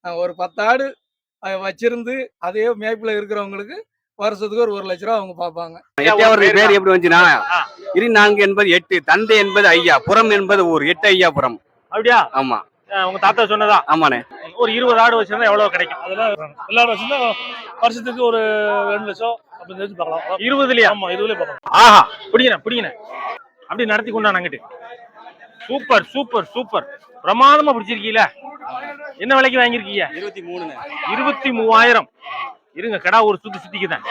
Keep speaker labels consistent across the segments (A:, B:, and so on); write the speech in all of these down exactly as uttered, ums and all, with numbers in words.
A: அ ஒரு பத்து ஆடு அ வச்சிருந்து, அதே மேய்ப்புல இருக்கிறவங்களுக்கு வருஷத்துக்கு ஒரு ஒரு லட்ச ரூவா அவங்க பாப்பாங்க.
B: எட்டையாவது பேர் எப்படி வந்துச்சுன்னா,
C: ஆ.
B: இரு நான்கு என்பது எட்டு, தந்தை என்பது ஐயா, புறம் என்பது ஊர், எட்டு ஐயாபுரம்.
C: அப்படியா?
B: ஆமா.
C: அ உங்க தாத்தா சொன்னதா?
B: ஆமாண்ணே.
C: ஒரு இருபது ஆடு வச்சிருந்தா எவ்வளவு கிடைக்கும்?
D: அதெல்லாம் எல்லா வச்சிருந்தா வருஷத்துக்கு ஒரு ரெண்டு லட்சம் அப்படி நிறுத்தி பார்க்கலாம்.
C: இருபதுலயா?
D: ஆமா இருபதுலயே பார்க்கலாம்.
C: ஆஹா, பிடிக்கிறேன் பிடிக்கிறேன். அப்படி நடத்தி கொண்டான் அங்கிட்டு. Super super super. பிரமாதமா பிடிச்சிருக்கீல. என்ன விலைக்கு வாங்கியிருக்கீங்க?
B: இருபத்தி மூணு
C: இருபத்தி மூவாயிரம். இருங்க, கடா ஒரு சுத்தி சுத்திக்குதான்.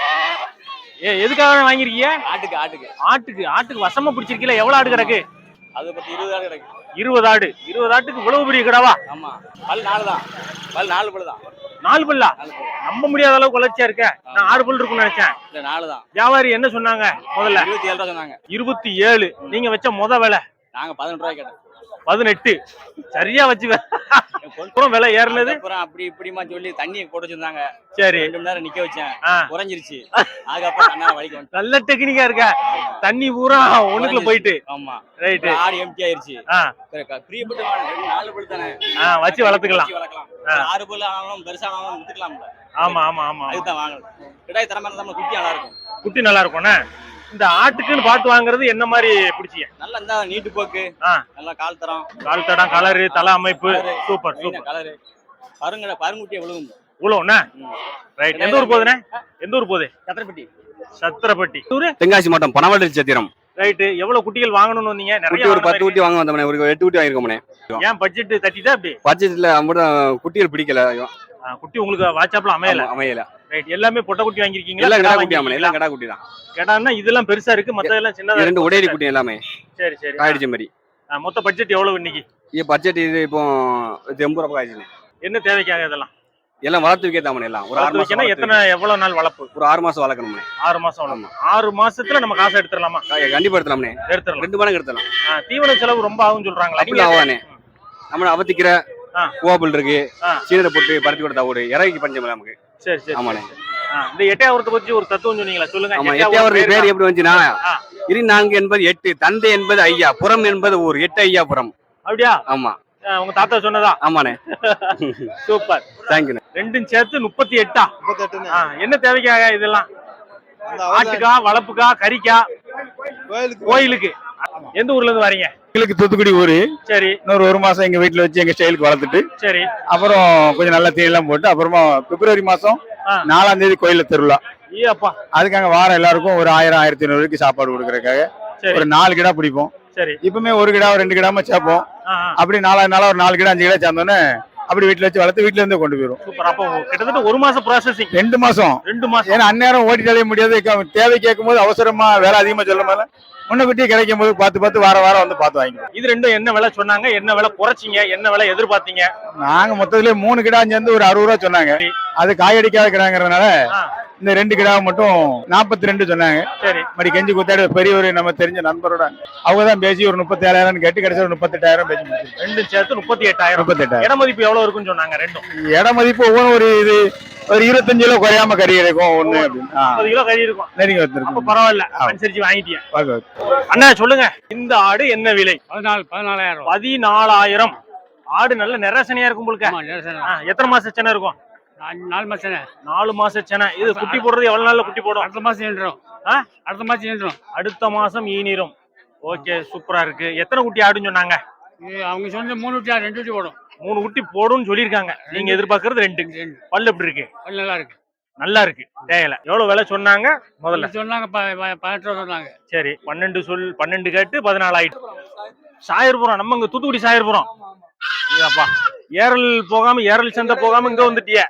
C: ஏ எதுக்காக வாங்கியிருக்கீங்க?
B: ஆட்டுக்கு ஆட்டுக்கு
C: ஆட்டுக்கு ஆட்டுக்கு வசமா பிடிச்சிருக்கீல. எவ்வளவு ஆடு கிடக்கு?
B: அது பத்தி இருபது ஆடு கிடைக்கும்.
C: இருபது ஆடு. இருபது ஆட்டுக்கு இவ்வளவு பெரிய கடாவா?
B: ஆமா. பல் நாலு தான். பல் நாலு பல் தான்.
C: நாலு பல்லா? நம்ப முடியாத அளவுக்கு வளர்ச்சியா இருக்க. நான் ஆறு பல் இருக்கும்னு நினைச்சேன்.
B: இல்ல நாலு தான்.
C: வியாபாரி என்ன சொன்னாங்க முதல்ல?
B: இருபத்தி ஏழு ரூபா சொன்னாங்க.
C: இருபத்தி ஏழு. நீங்க வச்ச முத விலை?
B: நாங்க பதினெட்டு ரூபாய் கேட்டோம்.
C: பதினெட்டு. சரியா வச்சு அப்புறம் விலை ஏறினது
B: அப்புறம் அப்படி இப்படிமா சொல்லி தண்ணி போட்டு வச்சிருந்தாங்க.
C: சரி,
B: ரெண்டு மணி நேரம் நிக்க வச்சேன்,
C: ஆ.
B: குறைஞ்சிருச்சு. அதுக்கப்புறம் தன்னால வலிக்கு வந்து
C: நல்ல டெக்னிக்கா இருக்க. தண்ணி பூரா ஒண்ணுக்குள்ள போயிட்டு.
B: ஆமா
C: ரைட்.
B: ஆடு எம்டி ஆயிருச்சு.
C: ஆ,
B: பிரியப்பட்டு நாலு பல் தானே.
C: ஆ, வச்சு வளர்த்துக்கலாம்.
B: வளர்க்கலாம். ஆறு பல் ஆனாலும் பெருசானாலும் வித்துக்கலாம்ல.
C: ஆமா ஆமா ஆமா.
B: அதுதான் வாங்கணும். கிடாய் தரமா இருந்தா குட்டி நல்லா இருக்கும்.
C: குட்டி நல்லா இருக்கும்ண்ணே. இந்த ஆட்டுக்குன்னு பார்த்து வாங்குறது என்ன மாதிரி பிடிச்சிங்க?
B: நல்லா இருந்தா நீட்டு போக்கு,
C: ஆ,
B: நல்லா கால் தரம்,
C: கால் தடம், கலரு, தலை அமைப்பு. Super super.
B: கலரு பருங்கட பருங்குட்டியை விழுகும்.
C: உழவுண்ணே. ரைட். எந்த ஊர் போகுதுண்ணே? எந்த ஊர் போகுது?
B: சத்திரப்பட்டி.
C: சத்திரப்பட்டி.
B: தென்காசி மாவட்டம் பனவள்ளி சத்திரம்.
C: ரைட். எவ்வளவு குட்டிகள் வாங்கணும்னு வந்தீங்க? நிறைய
B: ஒரு பத்து குட்டி வாங்க வந்தோம்னே. ஒரு எட்டு குட்டி வாங்கிருக்கோம்னே.
C: ஏன் பட்ஜெட் தட்டிட்டா அப்படி?
B: பட்ஜெட்ல அம்புடம் குட்டிகள் பிடிக்கல.
C: குட்டி உங்களுக்கு வாட்ஸ்அப்ல அமையல.
B: அமையல.
C: ரைட். எல்லாமே பொட்டை குட்டி வாங்கிருக்கீங்களா?
B: எல்லாம் கடா குட்டி. ஆமா, எல்லாம் கடா குட்டி தான்.
C: கடான்னா இதெல்லாம் பெருசா இருக்கு, மத்ததெல்லாம் சின்னதா.
B: ரெண்டு ஒடேரி குட்டி எல்லாமே.
C: சரி சரி.
B: காய்டிச்ச மாதிரி.
C: மொத்த பட்ஜெட் எவ்வளவு இன்னைக்கு? இது
B: பட்ஜெட் இது இப்போ எண்பது ரூபாய் ஆயிடுச்சு.
C: என்ன தேவைக்காக இதெல்லாம்?
B: எல்லாம் வளர்த்து வைக்க தாமனே. எல்லாம் ஒரு ஆறு மாசம்.
C: எத்தனை எவ்வளவு நாள் வளர்ப்பு?
B: ஒரு ஆறு மாசம் வளர்க்கணும்.
C: ஆறு மாசம் வளர்க்கணும். ஆறு மாசத்துல நம்ம காசு எடுத்துடலாமா?
B: கண்டிப்பா எடுத்துலாம்னே.
C: எடுத்துடலாம்.
B: ரெண்டு மடங்கு எடுத்துலாம்.
C: தீவன செலவு ரொம்ப ஆகும் சொல்றாங்களா?
B: அப்படி ஆவானே. நம்ம அவத்திக்கிற கோபல் இருக்கு, சீனரை போட்டு பருத்தி கொடுத்தா ஒரு இறக்கி பஞ்சம் நமக்கு. சரி சரி. ஆமாண்ணே.
C: இந்த எட்டையாவரத்தை பத்தி ஒரு தத்துவம் சொன்னீங்களா, சொல்லுங்க.
B: ஆமா, எட்டையாவது பேர் எப்படி வந்துச்சுன்னா, இரு நான்கு என்பது எட்டு, தந்தை என்பது ஐயா, புறம் என்பது ஊர், எட்டு ஐயாபுரம்.
C: அப்படியா?
B: ஆமா.
C: உங்க தாத்தா சொன்னதா?
B: ஆமாண்ணே.
C: சூப்பர்.
B: தேங்க்யூ.
C: ரெண்டும் சேர்த்து முப்பத்தி எட்டா? என்ன தேவைக்காக இதெல்லாம்? ஆட்டுக்கா, வளர்ப்புக்கா, கறிக்கா? கோயிலுக்கு. எந்த ஊர்ல இருந்து வரீங்க?
E: எங்களுக்கு தூத்துக்குடி ஊரு.
C: சரி.
E: இன்னொரு ஒரு மாசம் எங்க வீட்டுல வச்சு எங்க ஸ்டைலுக்கு வளர்த்துட்டு, சரி, அப்புறம் கொஞ்சம் நல்ல தீனி எல்லாம் போட்டு, அப்புறமா பிப்ரவரி மாசம் நாலாம் தேதி கோயில திருவிழா. அதுக்காக வாரம் எல்லாருக்கும் ஒரு ஆயிரம் ஆயிரத்தி ஐநூறு ரூபாய்க்கு சாப்பாடு கொடுக்கறதுக்காக ஒரு நாலு கிடா பிடிப்போம். சரி. இப்பவுமே ஒரு கிடா ரெண்டு கிடாம சேர்ப்போம். அப்படி நாலாவது நாளா ஒரு நாலு கிடா அஞ்சு கிடா சேர்ந்தோன்னே அப்படி வீட்டுல வச்சு வளர்த்து வீட்டுல இருந்து கொண்டு போயிடும்.
C: சூப்பர். அப்போ கிட்டத்தட்ட ஒரு மாசம் ப்ராசஸிங்.
E: ரெண்டு மாசம்.
C: ரெண்டு மாசம்.
E: ஏன்னா அந்நேரம் ஓட்டிட்டு அலைய முடியாது. தேவை கேட்கும் போது அவசரமா வேலை அதிகமா சொல்லும் போது முன்னக்குட்டி கிடைக்கும் போது பார்த்து பார்த்து வார வாரம் வந்து பார்த்து வாங்கி.
C: இது ரெண்டும் என்ன விலை சொன்னாங்க? என்ன விலை குறைச்சிங்க? என்ன விலை எதிர்பார்த்தீங்க?
E: நாங்க மொத்தத்துல மூணு கிடா சேர்ந்து ஒரு அறுபது ரூபா சொன்னாங்க. அது காயடிக்காத கிடாங்கிறதுனால இந்த ரெண்டு கிடாவை மட்டும் நாற்பத்தி ரெண்டு சொன்னாங்க. சரி. மறுபடி கெஞ்சி குத்தாடி பெரிய ஒரு நம்ம தெரிஞ்ச நண்பரோட அவங்க தான் பேசி ஒரு முப்பத்தி ஏழாயிரம் கேட்டு கிடைச்ச ஒரு முப்பத்தி எட்டாயிரம் பேசி முடிச்சு.
C: ரெண்டு சேர்த்து முப்பத்தி எட்டாயிரம். முப்பத்தி எட்டாயிரம். இட மதிப்பு எவ்வளவு இருக்குன்னு சொன்னாங்க ரெண்டும்?
E: இட மதிப்பு ஒவ்வொன்றும் ஒரு இது ஒரு இருபத்தஞ்சு கிலோ குறையாம கறி இருக்கும் ஒண்ணு அப்படின்னு.
C: முப்பது கிலோ கறி இருக்கும்.
E: நெருங்கி வந்துருக்கு.
C: பரவாயில்ல, அனுசரிச்சு வாங்கிட்டீங்க. அண்ணா சொல்லுங்க, இந்த ஆடு என்ன விலை?
F: பதினாலு பதினாலாயிரம்.
C: பதினாலாயிரம். ஆடு நல்ல நிறசனையா இருக்கும் உங்களுக்கு. எத்தனை மாசம் சென்னை இருக்கும்?
F: நாலு மாசம்.
C: நாலு மாசம் சென்னை. இது குட்டி போடுறது எவ்வளவு நாள்ல குட்டி போடும்?
F: அடுத்த மாசம் ஈனிரும். அடுத்த மாசம் ஈனிரும்.
C: அடுத்த மாசம் ஈனிரும். ஓகே, சூப்பரா இருக்கு. எத்தனை குட்டி ஆடுன்னு சொன்னாங்க?
F: அவங்க சொன்ன மூணு குட்டி ரெண்டு குட்டி போடும்.
C: மூணு குட்டி போடும்னு சொல்லியிருக்காங்க. நீங்க எதிர்பார்க்கறது ரெண்டு. பல்லு எப்படி இருக்கு?
F: பல்லு நல்லா இருக்கு.
C: நல்லா இருக்கு. தேவையில்ல. எவ்வளவு விலை சொன்னாங்க முதல்ல?
F: சொன்னாங்க பதினெட்டு ரூபா சொன்னாங்க.
C: சரி, பன்னெண்டு சொல் பன்னெண்டு கேட்டு பதினாலு ஆயிட்டு. சாயர்புரம், நம்ம இங்க தூத்துக்குடி சாயர்புரம். அப்பா, ஏரல் போகாம ஏரல் சந்தை போகாம இங்க வந்துட்டிய.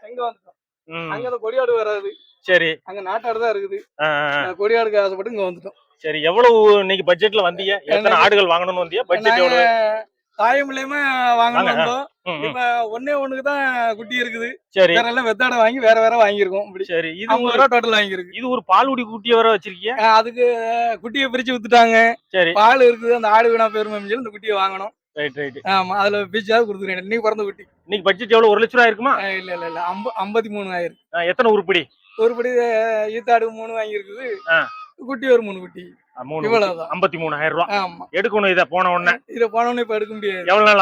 A: அங்க கொடியாடு வராது.
C: சரி.
A: அங்க நாட்டாடு தான் இருக்குது. கொடியாடுக்கு ஆசைப்பட்டு இங்க வந்துட்டோம்.
C: சரி, எவ்வளவு இன்னைக்கு பட்ஜெட்ல வந்தீங்க? எத்தனை ஆடுகள் வாங்கணும்னு வந்தீங்க? பட்ஜெட் எவ்வளவு?
A: தாயமில்லையுமே வாங்கணும் வந்தோம். இப்ப ஒன்னே ஒண்ணுக்கு தான் குட்டி இருக்குது.
C: சரி.
A: வேற எல்லாம் வெத்தாடை வாங்கி வேற வேற வாங்கியிருக்கோம்.
C: சரி. இது
A: ஐம்பது ரூபா டோட்டல் வாங்கியிருக்கு.
C: இது ஒரு பால்குடி குட்டியை வர வச்சிருக்கீங்க?
A: அதுக்கு குட்டியை பிரிச்சு வித்துட்டாங்க. சரி. பால் இருக்குது, அந்த ஆடு வீணா போயிருமே சொல்லி இந்த குட்டியை வாங்கணும்.
C: Right right.
A: ஆமா, அதுல பிரிச்சாவது கொடுத்துருக்கேன். இன்னைக்கு பிறந்த குட்டி.
C: இன்னைக்கு பட்ஜெட் எவ்வளவு? ஒரு லட்ச ரூபா இருக்குமா?
A: இல்ல இல்ல இல்ல, ஐம்பத்தி மூணு ஆயிரம்.
C: எத்தனை உருப்படி?
A: உருப்படி ஈத்தாடு மூணு வாங்கியிருக்குது. குட்டி ஒரு மூணு குட்டி. இவ்வளவுதான்.
C: ஐம்பத்தி மூணாயிரம் ரூபாய்.
A: ஆமா.
C: எடுக்கணும் இதை போன உடனே.
A: இதை போன உடனே இப்ப எடுக்க முடியாது.
C: எவ்வளவு நாள் ஆகும்?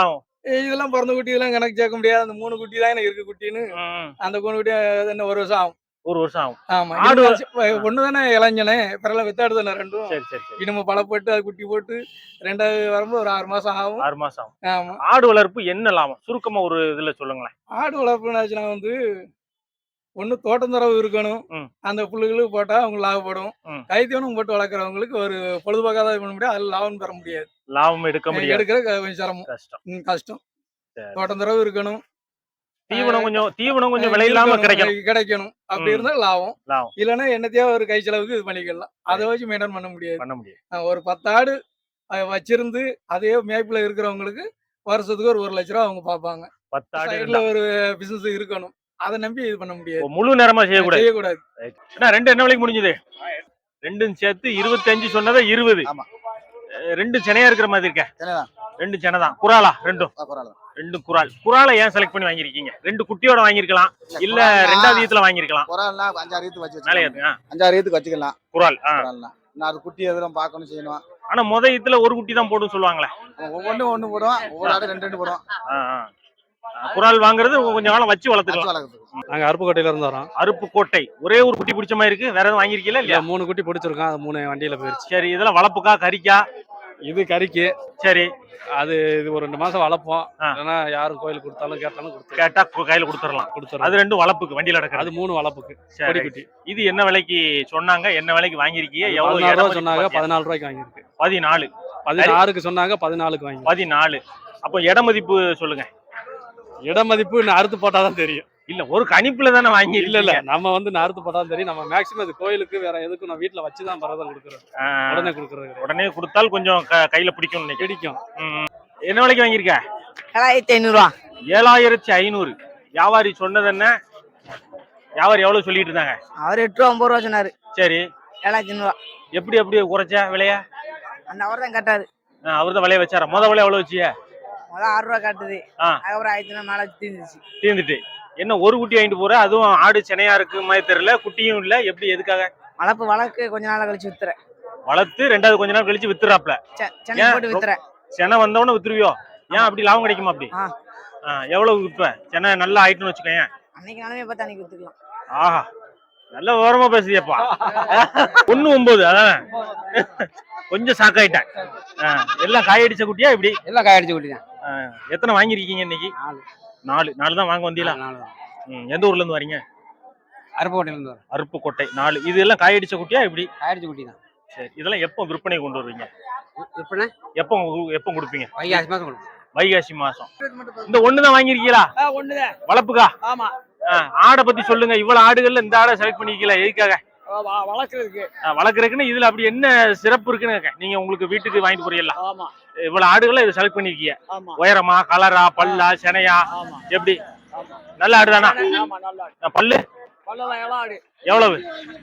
A: இதெல்லாம் பிறந்த குட்டி இதெல்லாம் கணக்கு சேர்க்க முடியாது. அந்த மூணு குட்டி தான் எனக்கு இருக்கு குட்டின்னு.
C: ம்.
A: அந்த மூணு குட்டி என்ன ஒரு வருஷம் ஆகும்.
C: ஒரு வருஷம் ஆகும்.
A: ஆமா.
C: ஆடு
A: ஒண்ணு தானே இளைஞனே. பிறகு வித்தாடு தானே ரெண்டும்.
C: சரி சரி சரி.
A: இனிமே பழப்பட்டு அது குட்டி போட்டு ரெண்டாவது வரும்போது ஒரு ஆறு மாசம் ஆகும்.
C: ஆறு மாசம் ஆகும்.
A: ஆமா.
C: ஆடு வளர்ப்பு என்ன லாபம்? சுருக்கமா ஒரு இதுல சொல்லுங்களேன்.
A: ஆடு வளர்ப்புனாச்சுன்னா வந்து ஒண்ணு தோட்டந்தரவு இருக்கணும்.
C: ம்.
A: அந்த புல்லுகளுக்கு போட்டா அவங்க லாபப்படும்.
C: ம்.
A: கைத்தீவனம் போட்டு வளர்க்குறவங்களுக்கு ஒரு பொழுதுபோக்காக தான் பண்ண முடியாது. அதுல லாபம் பெற முடியாது.
C: லாபம் எடுக்க முடியாது.
A: எடுக்கிற கொஞ்சம் சிரமம்.
C: கஷ்டம்.
A: ம், கஷ்டம்.
C: சரி.
A: தோட்டந்தரவு இருக்கணும்.
C: தீவனம் கொஞ்சம் தீவனம் கொஞ்சம் விலை இல்லாம கிடைக்கணும்.
A: கிடைக்கணும். அப்படி
C: ம்.
A: இருந்தா லாபம்.
C: லாபம்
A: இல்லைன்னா என்னத்தையோ ஒரு கை செலவுக்கு இது பண்ணிக்கலாம். அதை வச்சு மெயின்டைன் பண்ண முடியாது.
C: பண்ண முடியாது.
A: அஹ் ஒரு பத்து ஆடு அஹ் வச்சிருந்து அதே மேய்ப்புல இருக்கிறவங்களுக்கு வருஷத்துக்கு ஒரு ஒரு லட்ச ரூபா அவங்க பார்ப்பாங்க.
C: பத்து ஆடு
A: சைடுல
C: இருந்தா.
A: ஒரு பிசினஸ் இருக்கணும். அதை நம்பி இது பண்ண முடியாது.
C: ஓ, முழு நேரமா செய்யக்கூடாது.
A: செய்யக்கூடாது.
C: என்ன ரெண்டு என்ன விலைக்கு முடிஞ்சது? ரெண்டும் சேர்த்து இருபத்தஞ்சு சொன்னதா இருபது.
G: ஆமா.
C: அஹ் ரெண்டு சென்னையா இருக்கிற மாதிரி இருக்க.
G: சென்னைதான்.
C: ரெண்டு சென்னை தான். குறாலா ரெண்டும்?
G: ஆ, பரவாயில்ல.
C: ரெண்டு குறால். குறாலை ஏன் செலக்ட் பண்ணி வாங்கிருக்கீங்க? ரெண்டு குட்டியோட வாங்கிருக்கலாம், இல்ல ரெண்டாவது ஈத்துல வாங்கிருக்கலாம்.
G: குறால்னா அஞ்சாறு ஈத்து வச்சு
C: மேலே
G: வச்சுக்கலாம்.
C: ஏத்துங்க.
G: அஞ்சாறு ஈத்துக்கு வச்சுக்கலாம்.
C: குறால். ஆ.
G: குறால்னா நான் அது குட்டி எதுவும் பார்க்கணும் செய்யணும்.
C: ஆனா முத ஈத்துல ஒரு குட்டி தான் போடும் சொல்லுவாங்களே.
G: ஒவ்வொன்றும் ஒண்ணு போடுவோம். ஒவ்வொரு ஆடு ரெண்டு ரெண்டு போடுவோம்.
C: ஆ, ஆ. குறால் வாங்குறது கொஞ்சம் காலம் வச்சு
G: வச்சு
C: வளர்த்துக்கலாம்.
G: வளர்க்குறதுக்கு.
H: நாங்க அருப்புக்கோட்டையில இருந்து வரோம்.
C: அருப்பு கோட்டை. ஒரே ஒரு குட்டி பிடிச்ச மாதிரி இருக்கு. வேற எதுவும் வாங்கிருக்கீங்களா
H: இல்ல
C: இல்லையா?
H: மூணு குட்டி பிடிச்சிருக்கோம். அது மூணு வண்டியில போயிருச்சு.
C: சரி, இதெல்லாம் வளர்ப்புக்கா கறிக்கா?
H: இது கறிக்கு.
C: சரி.
H: அது இது ஒரு ரெண்டு மாசம் வளர்ப்போம்.
C: ஆ.
H: இல்லைன்னா யாரும் கோயில் கொடுத்தாலும் கேட்டாலும் கொடுத்துருவோம்.
C: கேட்டா கு- கையில கொடுத்துடலாம்.
H: கொடுத்துருவோம்.
C: அது ரெண்டும் வளர்ப்புக்கு வண்டியில
H: அது
C: நடக்கிறது.
H: மூணு வளர்ப்புக்கு.
C: சரி.
H: கொடி குட்டி.
C: இது என்ன விலைக்கு சொன்னாங்க? என்ன விலைக்கு வாங்கிருக்கீங்க? எவ்வளவு
H: பதினாறு
C: இடம்
H: ரூபா
C: மதிப்பு
H: சொன்னாங்க.
C: பாத்தியா?
H: பதினாலு ரூபாய்க்கு வாங்கியிருக்கு.
C: பதினாலு.
H: பதினாறுக்கு சொன்னாங்க. பதினாலுக்கு வாங்கி.
C: பதினாலு. அப்போ இட மதிப்பு சொல்லுங்க.
H: இட மதிப்பு இன்னும் அறுத்து போட்டாதான் தெரியும்.
C: இல்ல ஒரு கணிப்புல தானே வாங்கி.
H: இல்ல இல்ல நம்ம வந்து நான் அறுத்து போட்டாதான் தெரியும். நம்ம மேக்ஸிமம் இது கோயிலுக்கு வேற எதுக்கும் நான் வீட்டுல வச்சுதான் பரவாயில்ல கொடுக்குறோம். உடனே கொடுக்குறது
C: உடனே கொடுத்தால் கொஞ்சம் க- கையில பிடிக்கும் நினைக்கிறேன்.
H: பிடிக்கும்.
C: ம். என்ன விலைக்கு வாங்கியிருக்க?
I: ஏழாயிரத்தி ஐநூறு ரூபா.
C: ஏழாயிரத்தி ஐநூறு. வியாபாரி சொன்னது என்ன? வியாபாரி எவ்வளவு சொல்லிட்டு இருந்தாங்க?
I: அவர் எட்டு ரூபா ஒன்பது ரூபா சொன்னாரு.
C: சரி.
I: ஏழாயிரத்தி ஐநூறு ரூபா.
C: எப்படி அப்படியே குறைச்சா விலைய?
I: அந்த அவர் தான் கட்டாரு.
C: அவர் தான் விலைய வச்சாரா? முத விலை எவ்வளவு வச்சிய?
I: முதல்ல ஆறு ரூபா காட்டுது.
C: ஆ.
I: அதுக்கப்புறம் ஆயிரத்தி ஐநூறு மேல தீர்ந்துச்சு.
C: தீர்ந்துட்டு என்ன ஒரு குட்டி வாங்கிட்டு போற? அதுவும் ஆடு சென்னையா இருக்கு மாதிரி தெரியல. குட்டியும் இல்ல. எப்படி எதுக்காக?
I: வளர்ப்பு வளர்க்கு கொஞ்ச நாள் கழிச்சு வித்துறேன்.
C: வளர்த்து ரெண்டாவது கொஞ்ச நாள் கழிச்சு வித்துறாப்ல.
I: செ- சென்னை
C: ஏன்?
I: போட்டு வித்துறேன்.
C: சென்னை வந்தவொடனே வித்துருவியோ? ஏன் அப்படி லாபம் கிடைக்குமா அப்படி?
I: ஆ.
C: ஆ, எவ்வளவு விற்ப? சென்னை நல்லா ஆயிட்டுன்னு வச்சுக்கோங்க.
I: அன்னைக்கு நாளுமே பார்த்து அன்னைக்கு வித்துக்கலாம்.
C: ஆஹா, நல்ல விவரமா பேசுதியப்பா. ஒண்ணு ஒன்பது அதானே? கொஞ்சம் சாக்காயிட்டேன். ஆ, எல்லாம் காயடிச்ச குட்டியா இப்படி?
F: எல்லாம் காயடிச்சு குட்டிதான்.
C: ஆ, எத்தனை வாங்கிருக்கீங்க இன்னைக்கு?
F: நாலு.
C: நாலு. நாலு தான் வாங்க வந்தீங்களா? ம். எந்த ஊர்ல இருந்து வரீங்க?
F: அருப்புக்கோட்டையில இருந்து வரோம்.
C: அருப்புக்கோட்டை. நாலு. இது எல்லாம் காயடிச்ச குட்டியா இப்படி?
F: காயடிச்சு குட்டி தான்.
C: சரி. இதெல்லாம் எப்போ விற்பனை கொண்டு வருவீங்க?
F: விற்பனை
C: எப்போ எப்போ கொடுப்பீங்க?
F: வைகாசி மாசம் கொடுப்போம்.
C: வைகாசி மாசம். இந்த ஒண்ணுதான் வாங்கிருக்கீங்களா?
A: ஒண்ணுதான்.
C: வளர்ப்புக்கா?
A: ஆமா.
C: ஆ, ஆடை பத்தி சொல்லுங்க. இவ்வளவு ஆடுகள்ல இந்த ஆடை செலக்ட் பண்ணிருக்கீங்களா? எதுக்காக?
A: வளர்க்கறதுக்கு.
C: ஆ, வளர்க்கறதுக்குன்னு இதுல அப்படி என்ன சிறப்பு இருக்குன்னு கேட்க. நீங்க உங்களுக்கு வீட்டுக்கு வாங்கிட்டு போறீங்களா?
A: ஆமா.
C: இவ்வளவு ஆடுகளை இதை செலக்ட் பண்ணிருக்கீங்க.
A: ஆமா.
C: உயரமா, கலரா, பல்லா, செனையா?
A: ஆமா.
C: எப்படி? நல்ல ஆடுதானா?
A: ஆமா, நல்லா இருக்கு.
C: ஆ, பல்லு
A: பல்லெல்லாம் எல்லாம் ஆடு.
C: எவ்வளவு?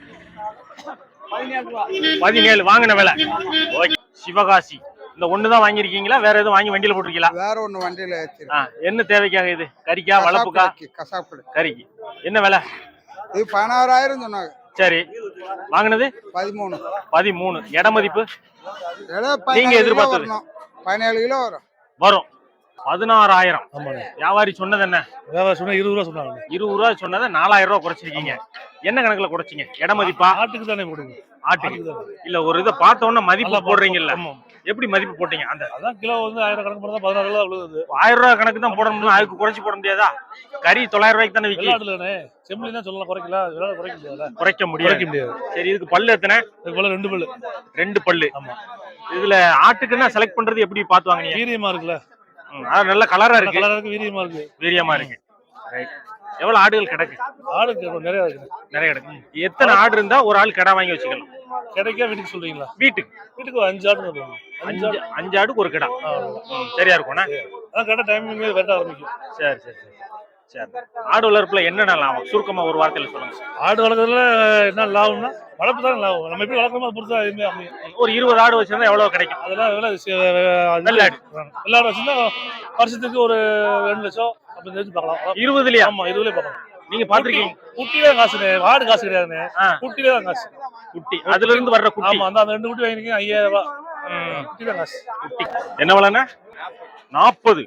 A: பதினேழு ரூபா.
C: பதினேழு. வாங்கின விலை. ஓகே. சிவகாசி. இந்த ஒண்ணுதான் வாங்கிருக்கீங்களா? வேற எதுவும் வாங்கி வண்டியில போட்டிருக்கீங்களா?
G: வேற ஒண்ணு வண்டியில
C: ஆ, என்ன தேவைக்காக இது? கறிக்கா, வளர்ப்புக்கா?
G: கசாப்பு.
C: கறிக்கு. என்ன விலை?
G: இது பதினாறாயிரம் சொன்னாங்க.
C: சரி. வாங்கினது
G: பதிமூணு.
C: பதிமூணு. இட மதிப்பு
G: ஏதோ
C: நீங்க
G: பதினேழு கிலோ
C: எதிர்பார்த்தது?
G: வரணும். பதினேழு கிலோ வரும்.
C: வரும். பதினாறாயிரம்.
D: ஆமாண்ணே.
C: வியாபாரி சொன்னது என்ன?
D: வியாபாரம் சொன்னா இருபது ரூபா சொன்னாங்க.
C: இருபது ரூபா சொன்னதை நாலாயிரம் ரூபாய் குறைச்சிருக்கீங்க. என்ன கணக்குல குறைச்சிங்க? இட மதிப்பா?
D: ஆட்டுக்கு தானே போடுங்க.
C: ஆட்டுக்கு.
D: ஆட்டுக்கு தானே.
C: இல்ல ஒரு இதை பார்த்த உடனே மதிப்பு
D: நல்லா
C: போடுறீங்கல்ல,
D: ஆமா.
C: எப்படி மதிப்பு போட்டீங்க? அந்த
D: அதான் கிலோ வந்து ஆயிரம் கணக்கு பண்ணா பதினாறு ரூபா விழுது.
C: ஆயிரம் ரூபாய் கணக்கு தான் போடணும். அதுக்கு குறைச்சு போட முடியாதா? கறி தொள்ளாயிரம் ரூபாய்க்கு தானே விற்கி.
D: வெள்ளாடுலண்ணே செம்பிளி தான் சொல்லலாம், குறைக்கல. வெள்ளாடு குறைக்க முடியாதுல்ல.
C: குறைக்க
D: குறைக்க
C: முடியாது.
D: முடியாது.
C: சரி. இதுக்கு பல்லு எத்தனை?
D: இது போல ரெண்டு பல்லு.
C: ரெண்டு பல்லு.
D: ஆமா.
C: இதுல ஆட்டுக்குன்னா செலக்ட் பண்றது எப்படி பார்த்து வாங்குனீங்க?
D: வீரியமா இருக்குல்ல.
C: ம், அது நல்ல கலரா இருக்கு.
D: கலரா இருக்கு, வீரியமா இருக்கு.
C: வீரியமா இருக்கு. ரைட். எவ்வளவு ஆடுகள் கிடக்கு?
D: ஆடு நிறைய இருக்கு.
C: நிறைய கிடக்கு. எத்தனை ஆடு இருந்தா ஒரு ஆள் கடை வாங்கி வச்சுக்கலாம்?
D: கிடைக்கா வீட்டுக்கு சொல்றீங்களா?
C: வீட்டுக்கு.
D: வீட்டுக்கு ஒரு அஞ்சு ஆடு வருவாங்க. அஞ்சு
C: அஞ்சு
D: ஆடு.
C: அஞ்சு ஆடுக்கு ஒரு கடை.
D: ஆ,
C: ம், சரியா இருக்கும்ண்ணா?
D: அதான் கடை டைமிங் வெட்ட ஆரம்பிக்கும்.
C: சரி சரி சரி சரி. ஆடு வளர்ப்புல என்னென்ன லாபம் சுருக்கமா ஒரு வார்த்தையில சொல்லுங்க.
D: ஆடு வளர்க்கறதுல என்ன லாபம்னா வளர்ப்பு தான் லாபம். நம்ம எப்படி வளர்க்கறோமோ அது பொறுத்தா எதுவுமே அமையும்.
C: ஒரு இருபது ஆடு வச்சிருந்தா எவ்வளவு கிடைக்கும்?
D: அதெல்லாம் அதெல்லாம் சி- அது
C: வெள்ளாடு.
D: வெள்ளாடு வச்சிருந்தா வருஷத்துக்கு ஒரு ரெண்டு லட்சம் அப்படி தெரிஞ்சு பார்க்கலாம்.
C: இருபதுலயா?
D: ஆமா, இதுலயே பார்க்கலாம்.
C: நீங்க பாத்திருக்கீங்க?
D: குட்டிலே காசுனே, ஆடு காசு கிடையாதுண்ணே.
C: ஆ.
D: குட்டிலே தான் காசு.
C: குட்டி. அதுல இருந்து வர்ற குட்டி.
D: ஆமா, அந்த அந்த ரெண்டு குட்டி வாங்கிருக்கீங்க ஐயாயிரம் ரூபாய்.
C: ம்.
D: குட்டி தான் காசு.
C: குட்டி. என்ன விலைண்ணா? நாற்பது.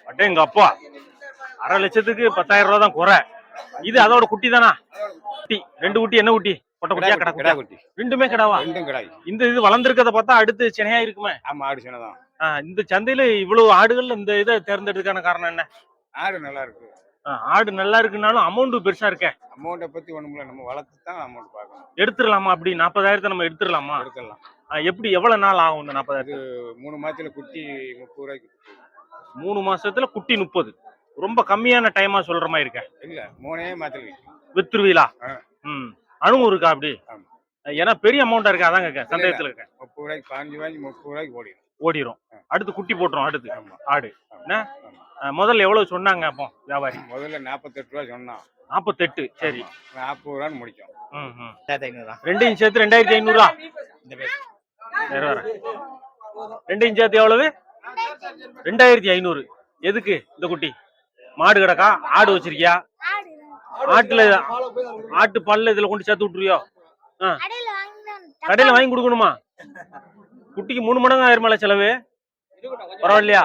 C: அட்டே எங்க அப்பா அரை லட்சத்துக்கு பத்தாயிரம் ரூபா தான் குறை. இது அதோட குட்டி தானா? குட்டி ரெண்டு குட்டி என்ன குட்டி? பொட்டை குட்டியா கடா குட்டியா?
E: குட்டி
C: ரெண்டுமே கிடாவா?
E: ரெண்டும் கிடாய்.
C: இந்த இது வளர்ந்துருக்கத பார்த்தா அடுத்து சினையா இருக்குமே.
E: ஆமா ஆடு சின்னதான்.
C: ஆஹ் இந்த சந்தையில இவ்வளவு ஆடுகள் இந்த இதை தேர்ந்தெடுக்கான காரணம் என்ன?
E: ஆடு நல்லா இருக்கு.
C: ஆஹ் ஆடு நல்லா இருக்குனாலும் அமௌண்ட் பெருசா இருக்கே.
E: அமௌண்ட்டை பத்தி ஒண்ணும் இல்ல, நம்ம வளர்த்து தான் அமௌண்ட் பார்க்கணும்.
C: எடுத்துடலாமா? அப்படி நாற்பதாயிரத்தை நம்ம எடுத்துடலாமா?
E: எடுத்துடலாம்.
C: ஆஹ் எப்படி எவ்வளவு நாள் ஆகும் இந்த நாற்பதாயிரத்து?
E: மூணு மாசத்துல குட்டி முப்பது ரூபாய்க்கு.
C: மூணு மாசத்துல குட்டி முப்பது. ரொம்ப கம்மியான டைமா சொல்ற மாதிரி இருக்க.
E: இல்ல மூணே மாசத்துல
C: வித்துருவீலா?
E: ஆ.
C: ம் அனுபவம் இருக்கா அப்படி?
E: ஆமா.
C: ஏன்னா பெரிய அமௌண்டா இருக்கா அதான் கேட்க. சந்தேகத்துல இருக்க.
E: முப்பது ரூபாய்க்கு பதினஞ்சு ரூபாய்க்கு முப்பது ரூபாய்க்கு ஓடிடும்.
C: ஓடிரும். அடுத்து குட்டி போட்டுரும். அடுத்து
E: ஆமா.
C: ஆடு என்ன அஹ் முதல்ல எவ்வளவு சொன்னாங்க அப்போ வியாபாரி?
E: முதல்ல நாற்பத்தெட்டு ரூபா சொன்னான்.
C: நாற்பத்தெட்டு. சரி.
E: நாற்பது ரூபான்னு முடிக்கும்.
C: ம் ம் ரெண்டையும் சேர்த்து ரெண்டாயிரத்தி ஐநூறுரூவா. வேற வேற ரெண்டையும் சேர்த்து எவ்வளவு? ரெண்டாயிரத்தி ஐநூறு. எதுக்கு இந்த குட்டி? மாடு கிடக்கா? ஆடு வச்சிருக்கியா? ஆட்டுல ஆட்டு பல்ல இதுல கொண்டு சேர்த்து விட்டுருவியோ? ஆ கடையில வாங்கி கொடுக்கணுமா? குட்டிக்கு மூணு மடங்கு ஆயிருமால செலவு? பரவாயில்லையா?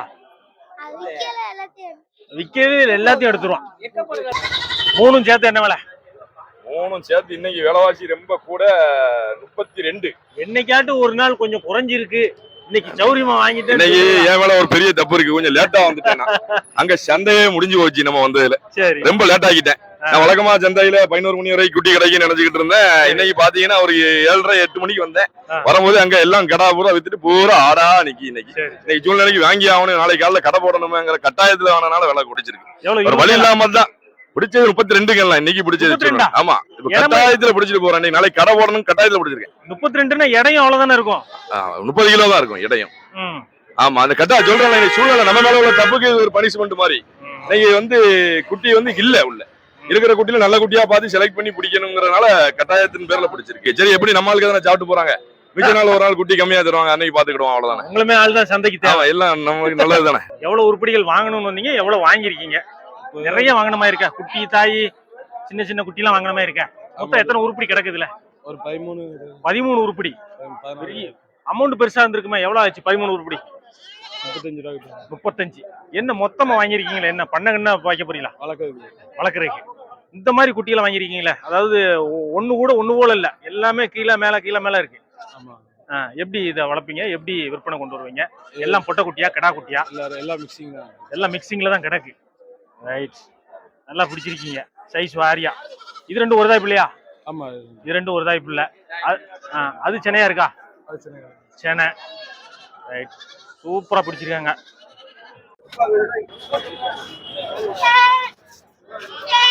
C: விக்கவே இல்லை, எல்லாத்தையும் எடுத்துருவான். மூணும் சேர்த்து என்ன விலை?
J: மூணும் சேர்த்து இன்னைக்கு விலைவாசி ரொம்ப கூட முப்பத்தி ரெண்டு.
C: என்னைக்காட்டு ஒரு நாள் கொஞ்சம் குறைஞ்சிருக்கு. இன்னைக்கு சௌரியமா வாங்கிட்டு
J: இன்னைக்கு என் மேல ஒரு பெரிய தப்பு இருக்கு, கொஞ்சம் லேட்டா வந்துட்டேன். அங்க சந்தையே முடிஞ்சு போச்சு நம்ம வந்ததுல.
C: சரி.
J: ரொம்ப லேட் ஆகிட்டேன். நான் வழக்கமா சந்தையில பதினோரு மணி வரைக்கும் குட்டி கிடைக்குன்னு நினைச்சுக்கிட்டு இருந்தேன். இன்னைக்கு பாத்தீங்கன்னா ஒரு ஏழரை எட்டு மணிக்கு வந்தேன். வரும்போது அங்க எல்லாம் கடை பூரா வித்துட்டு பூரா ஆடா நிக்கி. இன்னைக்கு இன்னைக்கு சூழ்நிலைக்கு வாங்கி ஆகணும், நாளைக்கு காலைல கடை போடணுங்கிற கட்டாயத்துல வேணனால விலை குடிச்சிருக்கு. ஒரு வழி இல்லாம தான் பிடிச்சது. முப்பத்தி ரெண்டுங்கலாம் இன்னைக்கு பிடிச்சது. ஆமா, இப்ப கட்டாயத்துல பிடிச்சிட்டு போறேன். நாளைக்கு கடை போடணும் கட்டாயத்துல பிடிச்சிருக்கேன்.
C: முப்பத்தி ரெண்டுன்னா இடையும் அவ்வளவுதானே இருக்கும்.
J: முப்பது கிலோ தான் இருக்கும் இடையும். ஆமா, அந்த கட்டா சொல்றேன் சூழ்நிலை நம்ம மேல உள்ள தப்புக்கு ஒரு பனிஷ்மெண்ட் மாதிரி. இன்னைக்கு வந்து குட்டி வந்து இல்ல உள்ள இருக்கிற குட்டியில நல்ல குட்டியா பார்த்து செலக்ட் பண்ணி பிடிக்கணுங்கிறதுனால கட்டாயத்தின் பேர்ல பிடிச்சிருக்கு. சரி, எப்படி நம்ம ஆளுக்கு தானே சாப்பிட்டு போறாங்க, மிச்ச நாள் ஒரு நாள் குட்டி கம்மியா தருவாங்க, அன்னைக்கு பாத்துக்கிடுவோம். அவ்வளவுதானே.
C: உங்களுமே ஆள் தான் சந்தைக்கு தேவை.
J: எல்லாம் நமக்கு நல்லது தானே.
C: எவ்வளவு உருப்படிகள் வாங்கணும்னு வந்தீங்க? எவ்வளவு வாங்கிருக்கீங்க? நிறைய வாங்கின மாதிரி இருக்கா? குட்டி தாய் சின்ன சின்ன குட்டி எல்லாம் வாங்கின மாதிரி இருக்கா? மொத்தம் எத்தனை உருப்படி கிடக்குதுல?
H: ஒரு பதிமூணு
C: பதிமூணு உருப்படி. அமௌண்ட் பெருசா இருந்திருக்குமா? எவ்வளவு ஆச்சு பதிமூணு உருப்படி?
H: முப்பத்தஞ்சு ரூபா.
C: முப்பத்தஞ்சு. என்ன மொத்தமா வாங்கிருக்கீங்களா? என்ன பண்ண வைக்க போறீங்களா?
H: வளர்க்குறது.
C: வளர்க்குறதுக்கு இந்த மாதிரி குட்டியில வாங்கிருக்கீங்களா? அதாவது ஒண்ணு கூட ஒண்ணு போல இல்ல, எல்லாமே கீழே மேல கீழே மேல இருக்கு.
H: ஆமா.
C: எப்படி இதை வளர்ப்பீங்க? எப்படி விற்பனை கொண்டு வருவீங்க? எல்லாம் பொட்டை குட்டியா கடா குட்டியா?
H: எல்லாரும் எல்லாம் மிக்சிங் தான்.
C: எல்லாம் மிக்சிங்ல தான் கிடக்கு. ரைட், நல்லா பிடிச்சிருக்கீங்க. சைஸ் வாரியா. இது ரெண்டும் ஒரு தாய் பிள்ளையா?
H: ஆமா,
C: இது ரெண்டும் ஒரு தாய் பிள்ளை. அது சென்னையா இருக்கா? சென்னை. ரைட், சூப்பரா பிடிச்சிருக்காங்க.